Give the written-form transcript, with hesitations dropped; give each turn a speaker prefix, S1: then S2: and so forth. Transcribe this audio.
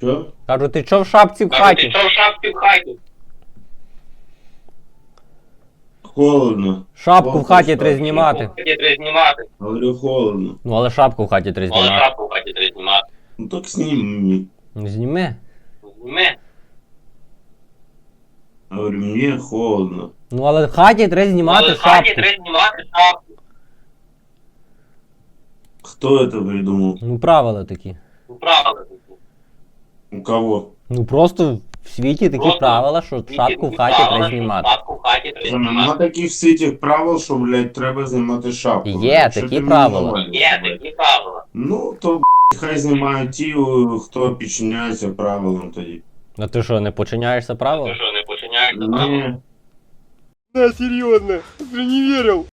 S1: Що?
S2: Кажу, ти чо в шапці в хаті?
S1: Холодно.
S2: Шапку в хаті треба знімати.
S1: Говорю, холодно.
S2: Ну але шапку в хаті треба знімати.
S1: Ну так сними.
S2: Ну зніми.
S1: Говорю, мне холодно.
S2: Ну але в хаті треба знімати шапку.
S1: Кто это придумал?
S2: Ну правила такі.
S1: У кого?
S2: Ну просто в світі такі правила, що шапку в хаті треба знімати.
S1: Нема таких світів правил, що, блядь, треба знімати шапку.
S2: Є
S1: Що
S2: такі
S1: ти мені
S2: правила.
S1: навалюєш, блядь? Ну, то, хай знімають ті, хто підчиняється правилам тоді.
S2: А ти що, не починяєшся правилам?
S1: Ні.
S2: Да, серйозно, ти не вірив.